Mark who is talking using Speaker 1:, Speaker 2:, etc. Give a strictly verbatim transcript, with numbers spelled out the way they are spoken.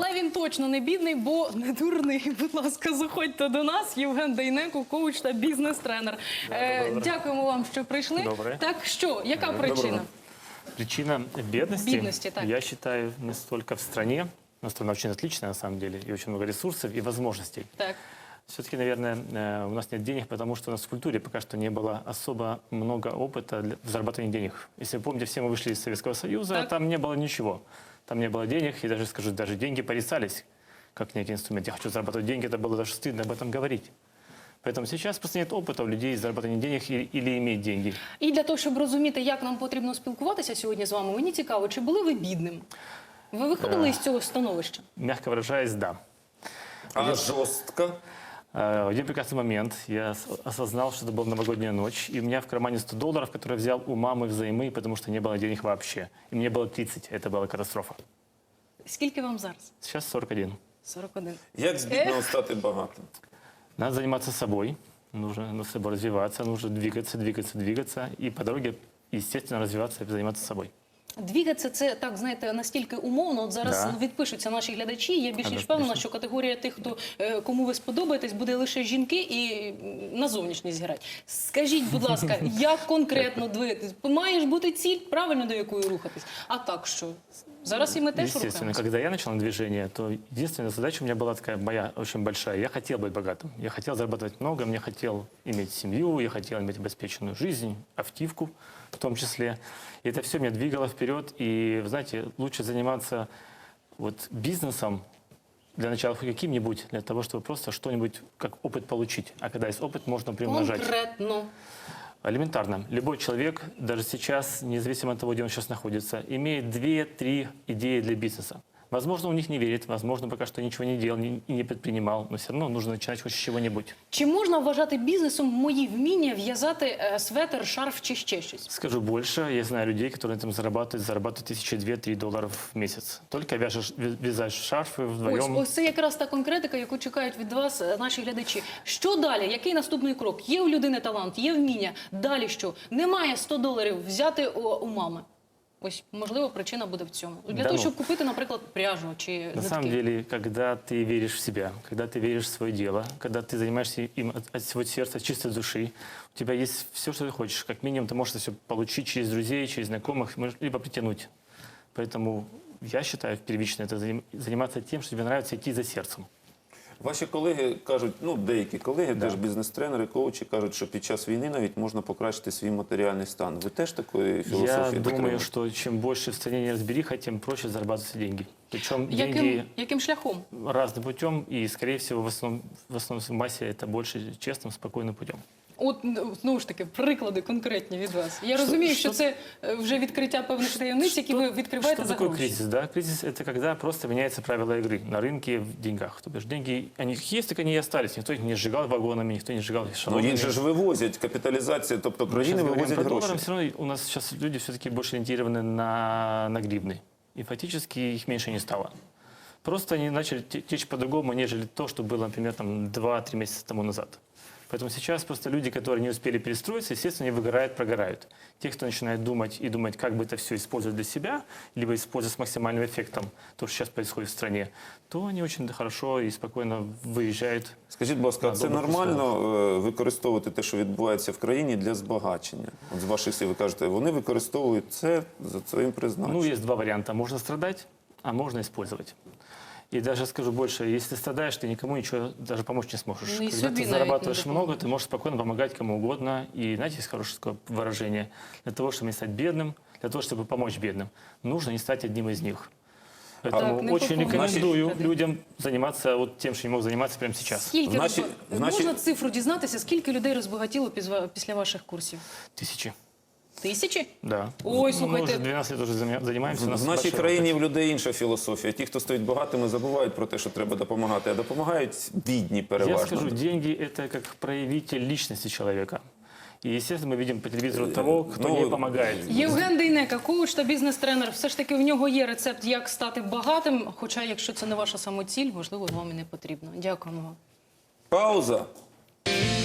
Speaker 1: Але він точно не бідний, бо не дурний. Будь ласка, заходьте до нас. Євген Дейнеко, коуч та бізнес-тренер. Е, дякуємо вам, що прийшли.
Speaker 2: Добре.
Speaker 1: Так що, яка причина?
Speaker 2: Доброго. Причина бедности,
Speaker 1: Бедности, так.
Speaker 2: я считаю, не столько в стране, но страна очень отличная на самом деле, и очень много ресурсов и возможностей.
Speaker 1: Так.
Speaker 2: Все-таки, наверное, э, у нас нет денег, потому что у нас в культуре пока что не было особо много опыта для- в зарабатывании денег. Если вы помните, все мы вышли из Советского Союза,
Speaker 1: Так.
Speaker 2: там не было ничего. Там не было денег, и даже, скажу, даже деньги порицались, как некий инструмент. Я хочу зарабатывать деньги, это было даже стыдно об этом говорить. Поэтому сейчас просто нет опыта у людей зарабатывания денег или, или иметь деньги.
Speaker 1: І для того, щоб розуміти, як нам потрібно спілкуватися сьогодні з вами, мені цікаво, чи були ви бідним? Ви виходили із цього становища?
Speaker 2: Мягко выражаясь, да.
Speaker 3: А жестко?
Speaker 2: Э, В один прекрасный момент я ос- осознал, что это была новогодняя ночь, и у меня в кармане сто долларов, которые я взял у мамы взаймы, потому что не было денег вообще. И мне было тридцать, это была катастрофа.
Speaker 1: Скільки вам зараз?
Speaker 2: Сейчас сорок один.
Speaker 1: сорок один.
Speaker 3: Як з бідного стати багатим?
Speaker 2: Надо заниматься собой, нужно над собой развиваться, нужно двигаться, двигаться, двигаться, и по дороге, естественно, развиваться и заниматься собой.
Speaker 1: Двігатися – це, так, знаєте, настільки умовно. От зараз
Speaker 2: Да.
Speaker 1: відпишуться наші глядачі. Я більш ніж
Speaker 2: Ага,
Speaker 1: впевнена,
Speaker 2: звісно.
Speaker 1: що категорія тих, хто, е, кому ви сподобаєтесь, буде лише жінки і м, на зовнішність грати. Скажіть, будь ласка, як конкретно двигатись? Має ж бути ціль, правильно, до якої рухатись. А так що? Зараз і ми теж
Speaker 2: Естественно,
Speaker 1: рухаємося.
Speaker 2: когда я начал движение, то единственная задача у меня была такая моя очень большая. Я хотел быть богатым, я хотел зарабатывать много, мне хотел иметь семью, я хотел иметь обеспеченную жизнь, автивку в том числе. И это все меня двигало вперед. И, вы знаете, лучше заниматься вот бизнесом для начала хоть каким-нибудь, для того, чтобы просто что-нибудь как опыт получить. А когда есть опыт, можно приумножать.
Speaker 1: Конкретно.
Speaker 2: Элементарно. Любой человек, даже сейчас, независимо от того, где он сейчас находится, имеет две-три идеи для бизнеса. Возможно, он в них не верит, возможно, пока что ничего не делал не- и не предпринимал, но все равно нужно начинать хоть с чего-нибудь.
Speaker 1: Чи можна вважати бізнесом мої вміння в'язати е, светр, шарф чи ще щось?
Speaker 2: Скажу больше, я знаю людей, которые на этом зарабатывают, зарабатывают тысячи две-три долларов в месяц. Только вяжешь, вя- вязаешь шарфы
Speaker 1: Ось,
Speaker 2: вдвоем.
Speaker 1: ось це якраз та конкретика, яку чекають від вас е, наші глядачі. Що далі? Який наступний крок? Є у людини талант, є вміння. Далі що? Немає сто доларів взяти у, у мами. Ось, можливо, причина буде в цьому. Для
Speaker 2: Да
Speaker 1: того,
Speaker 2: ну.
Speaker 1: щоб купити, наприклад, пряжу чи
Speaker 2: На
Speaker 1: нитки.
Speaker 2: самом деле, когда ты веришь в себя, когда ты веришь в свое дело, когда ты занимаешься им от, от всего сердца, от чистой души, у тебя есть все, что ты хочешь. Как минимум, ты можешь это все получить через друзей, через знакомых, можешь либо притянуть. Поэтому я считаю, первично это заним- заниматься тем, что тебе нравится, идти за сердцем.
Speaker 3: Ваші колеги кажуть, ну деякі колеги, теж бізнес-тренери, коучі, кажуть, що під час війни навіть можна покращити свій матеріальний стан. Ви теж такої
Speaker 2: Я
Speaker 3: філософії
Speaker 2: думаю,
Speaker 3: дотримуєтесь?
Speaker 2: что чем больше в стране неразбериха, тем проще зарабатывать деньги. Причем
Speaker 1: Яким,
Speaker 2: деньги
Speaker 1: яким шляхом?
Speaker 2: разным путем, и, скорее всего, в основном, в основном в массе это больше честным, спокойным путем.
Speaker 1: От, ну, знову ж таки, приклади конкретні від вас. Я розумію, що
Speaker 2: що-
Speaker 1: це е, вже відкриття певних таємниць, які ви відкриваєте
Speaker 2: Что
Speaker 1: за
Speaker 2: такое
Speaker 1: гроші.
Speaker 2: кризис? Да? Кризис – это когда просто меняются правила игры на рынке в деньгах. То бишь деньги, они есть, так они и остались. Никто их не сжигал вагонами, никто не сжигал
Speaker 3: Ну
Speaker 2: шалонами.
Speaker 3: їх же ж вивозять, капіталізація, тобто
Speaker 2: Мы
Speaker 3: країни
Speaker 2: сейчас говорим
Speaker 3: вивозять
Speaker 2: про
Speaker 3: гроші.
Speaker 2: доллары, все равно у нас сейчас люди все-таки больше ориентированы на, на гривны. И фактически их меньше не стало. Просто они начали те- течь по-другому, нежели то, что было, например, там, два-три месяца тому назад. Поэтому сейчас просто люди, которые не успели перестроиться, естественно, они выгорают, прогорают. Те, кто начинает думать и думать, как бы это все использовать для себя, либо использовать с максимальным эффектом то, что сейчас происходит в стране, то они очень хорошо и спокойно выезжают.
Speaker 3: Скажіть, будь ласка, а
Speaker 2: На
Speaker 3: це
Speaker 2: добрих
Speaker 3: нормально е, використовувати те, що відбувається в країні, для збагачення? От з ваших слів ви кажете, вони використовують це за своїм призначенням.
Speaker 2: Ну, есть два варианта. Можно страдать, а можно использовать. И даже скажу больше, если ты страдаешь, ты никому ничего даже помочь не сможешь.
Speaker 1: Ну, и
Speaker 2: Когда
Speaker 1: себе
Speaker 2: ты
Speaker 1: навіть не
Speaker 2: зарабатываешь много,
Speaker 1: допоможешь.
Speaker 2: ты можешь спокойно помогать кому угодно. И знаете, есть хорошее такое выражение. Для того, чтобы не стать бедным, для того, чтобы помочь бедным, нужно не стать одним из них.
Speaker 1: Так,
Speaker 2: Поэтому
Speaker 1: не
Speaker 2: очень
Speaker 1: попомню.
Speaker 2: рекомендую
Speaker 1: Значит,
Speaker 2: людям заниматься вот тем, что не мог заниматься прямо сейчас.
Speaker 1: Скільки
Speaker 3: В наші-
Speaker 1: розба-
Speaker 3: в наші-
Speaker 1: можна цифру дізнатися, скільки людей розбагатіло пізва- після ваших курсів?
Speaker 2: Тысячи.
Speaker 1: Тисячі?
Speaker 2: Да.
Speaker 1: Ой,
Speaker 2: Ну, мы
Speaker 1: слушайте.
Speaker 2: уже двенадцать лет уже заня- занимаемся. у нас
Speaker 3: В нашій
Speaker 2: большой
Speaker 3: країні
Speaker 2: опыт.
Speaker 3: в людей інша філософія. Ті, хто стоїть багатими, забувають про те, що треба допомагати, а допомагають бідні
Speaker 2: Я
Speaker 3: переважно.
Speaker 2: скажу, деньги – это как проявитель личности человека. И, естественно, мы видим по телевизору того, кто
Speaker 3: ну,
Speaker 2: не помогает.
Speaker 1: Євген Дейнеко, коуч та бізнес-тренер. Все ж таки в нього є рецепт, як стати багатим. Хоча, якщо це не ваша самоціль, можливо, вам і не потрібно. Дякуємо вам.
Speaker 3: Пауза.